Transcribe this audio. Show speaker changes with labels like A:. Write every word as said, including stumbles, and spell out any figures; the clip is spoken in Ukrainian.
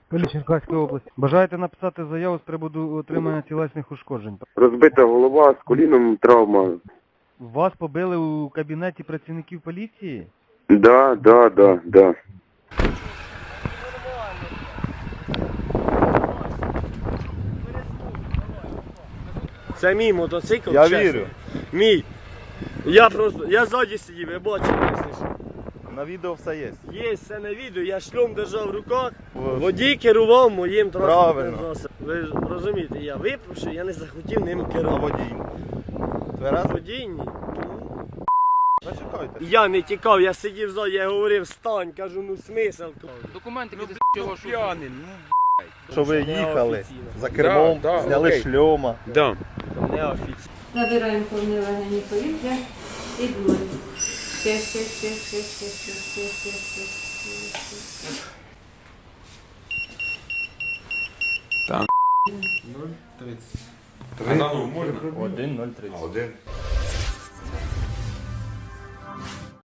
A: Поліція Черкаської області. Бажаєте написати заяву з приводу отримання тілесних ушкоджень?
B: Розбита голова, з коліном травма.
A: Вас побили у кабінеті працівників поліції?
B: Да, да, да, да.
C: Це мій мотоцикл,
D: Я
C: чесно.
D: вірю.
C: Мій. Я просто, я ззаді сидів, я бачив, якщо.
D: На відео все є.
C: Є все на відео, я шльом держав в руках,
D: Ось.
C: водій керував моїм транспортним
D: Правильно.
C: засобом. Ви ж розумієте, я випивши, я не захотів ним
D: А
C: керувати.
D: водій. Тверезо?
C: Водій ні.
D: Зачекайте.
C: Я не тікав, я сидів ззаді, я говорив, стань, кажу, ну смисл.
E: Документи від чого що п'яний.
D: Що ви
C: Це
D: їхали
C: неофіційно.
D: за кермом,
E: Да, да,
D: зняли
E: окей.
D: шльома.
E: Да.
C: Неофіційно.
F: Набираємо повні легені повітря і дмуть. Ще, ще, ще, ще, ще, ще, ще, ще, ще, ще, ще.
E: А на ну можна?
D: один нуль тридцять.
E: Один.